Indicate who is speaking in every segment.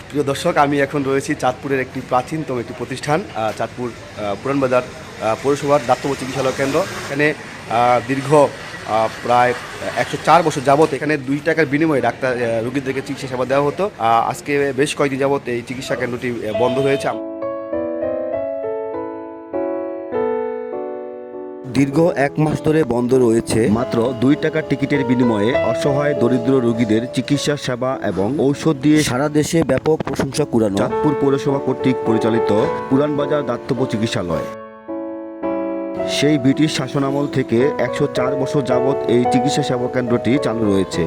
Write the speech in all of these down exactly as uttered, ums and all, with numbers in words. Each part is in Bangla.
Speaker 1: প্রিয় দর্শক, আমি এখন রয়েছি চাঁদপুরের একটি প্রাচীনতম একটি প্রতিষ্ঠান, আহ, চাঁদপুর আহ, পুরানবাজার আহ, পৌরসভার দাতব্য চিকিৎসালয় কেন্দ্র। এখানে আহ, দীর্ঘ আহ, প্রায় একশো চার বছর যাবত এখানে দুই টাকার বিনিময়ে ডাক্তার আহ, রোগীদেরকে চিকিৎসা সেবা দেওয়া হতো। আহ, আজকে বেশ কয়েকদিন যাবত এই চিকিৎসা কেন্দ্রটি আহ, বন্ধ রয়েছে। দীর্ঘ এক মাস ধরে বন্ধ রয়েছে। মাত্র দুই টাকার টিকিটের বিনিময়ে অসহায় দরিদ্র রোগীদের চিকিৎসা সেবা এবং ঔষধ দিয়ে সারা দেশে ব্যাপক প্রশংসা কুড়ানো চাঁদপুর পৌরসভা কর্তৃক পরিচালিত পুরানবাজার দাতব্য চিকিৎসালয়। সেই ব্রিটিশ শাসনামল থেকে একশো চার বছর যাবৎ এই চিকিৎসা সেবা কেন্দ্রটি চালু রয়েছে।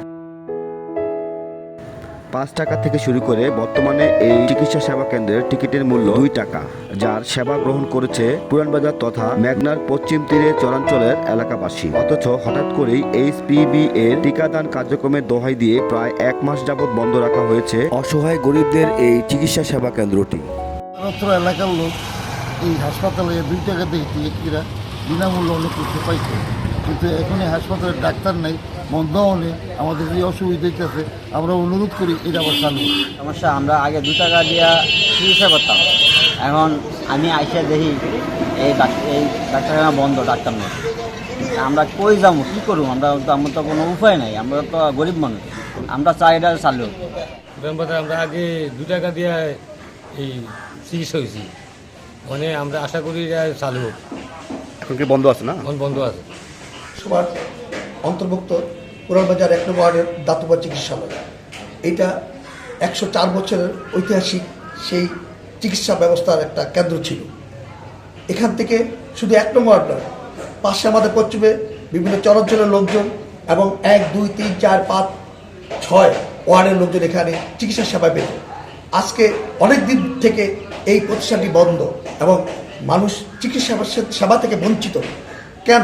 Speaker 1: পাঁচ টাকা থেকে শুরু করে বর্তমানে এই চিকিৎসা সেবা কেন্দ্রের টিকিটের মূল্য দুই টাকা, যার সেবা গ্রহণ করেছে পুরানবাজার তথা মেঘনার পশ্চিম তীরে চরাঞ্চলের এলাকাবাসী। অথচ হঠাৎ করেই এইচপিভি এর টিকাদান কার্যক্রমের দোহাই দিয়ে প্রায় এক মাস যাবৎ বন্ধ রাখা হয়েছে অসহায় গরিবদের এই চিকিৎসা সেবা কেন্দ্রটি।
Speaker 2: অত্র এলাকার লোক এই হাসপাতালে দুই টাকা দিয়ে টিকিটরা বিনামূল্যে অনেক করতে পাইছে, কিন্তু এখন এই হাসপাতালে ডাক্তার নেই, বন্ধ হলে আমাদের যে অসুবিধা হইতেছে, আমরা অনুরোধ করি এটা আবার চালু।
Speaker 3: সমস্যা, আমরা আগে দু টাকা দিয়া চিকিৎসা করতাম, এখন আমি আইসা দেখি এই ডাক্তার এই ডাক্তারখানা বন্ধ, ডাক্তার নেই। আমরা কই যাবো, কী করবো? আমরা তো আমার তো কোনো উপায় নাই, আমরা তো গরিব মানুষ, আমরা চাই এটা চালু।
Speaker 4: আমরা আগে দু টাকা দিয়ে এই চিকিৎসা হয়েছি, মানে আমরা আশা করি এটা চালু হোক।
Speaker 1: এখন কি বন্ধ আছে? না,
Speaker 4: এখন বন্ধ আছে।
Speaker 5: সবার অন্তর্ভুক্ত পুরানবাজার এক নম্বর ওয়ার্ডের দাতব্য চিকিৎসালয়, এইটা একশো চার বছরের ঐতিহাসিক সেই চিকিৎসা ব্যবস্থার একটা কেন্দ্র ছিল। এখান থেকে শুধু এক নম্বর ওয়ার্ড নয়, পাশে আমাদের পশ্চিমে বিভিন্ন চরাঞ্চলের লোকজন এবং এক দুই তিন চার পাঁচ ছয় ওয়ার্ডের লোকজন এখানে চিকিৎসা সেবা পেত। আজকে অনেক দিন থেকে এই প্রতিষ্ঠানটি বন্ধ এবং মানুষ চিকিৎসা সেবা থেকে বঞ্চিত। কেন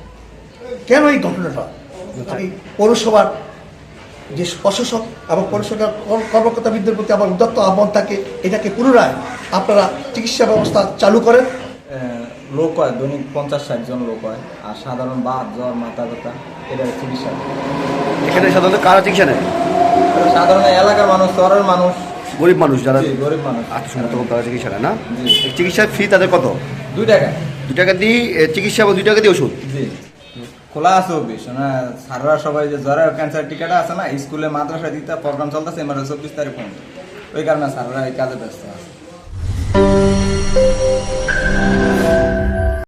Speaker 5: কেন এই ঘটনাটা? আমি পৌরসভার যে প্রশাসক এবং পৌরসভার কর্মকর্তাবৃন্দের প্রতি আমার উদাত্ত আহ্বান থাকে, এটাকে পুনরায় আপনারা চিকিৎসা ব্যবস্থা চালু করেন।
Speaker 6: লোক হয় দৈনিক পঞ্চাশ ষাট জন লোক হয়, আর সাধারণ বাত জ্বর মাথা ব্যথা এটা চিকিৎসা।
Speaker 1: এখানে সাধারণত কারা চিকিৎসা নেয়?
Speaker 6: সাধারণ এলাকার মানুষ, শহরের মানুষ,
Speaker 1: গরিব মানুষ যারা
Speaker 6: গরিব মানুষ
Speaker 1: আত্মসম্মত তারা চিকিৎসা নেয় না। চিকিৎসার ফি তাদের কত?
Speaker 6: দুই টাকা।
Speaker 1: দুই টাকা দিয়ে চিকিৎসা এবং দুই টাকা দিয়ে ওষুধ।
Speaker 6: জি, খোলা আছে অফিস। মানে সাররা সবাই যে জ্বরের ক্যান্সার টিকাটা আছে না, স্কুলে মাদ্রাসা দিতে প্রোগ্রাম চলতেছে এবার চব্বিশ তারিখ পর্যন্ত, ওই কারণে সাররা এই কাজে ব্যস্ত আছে।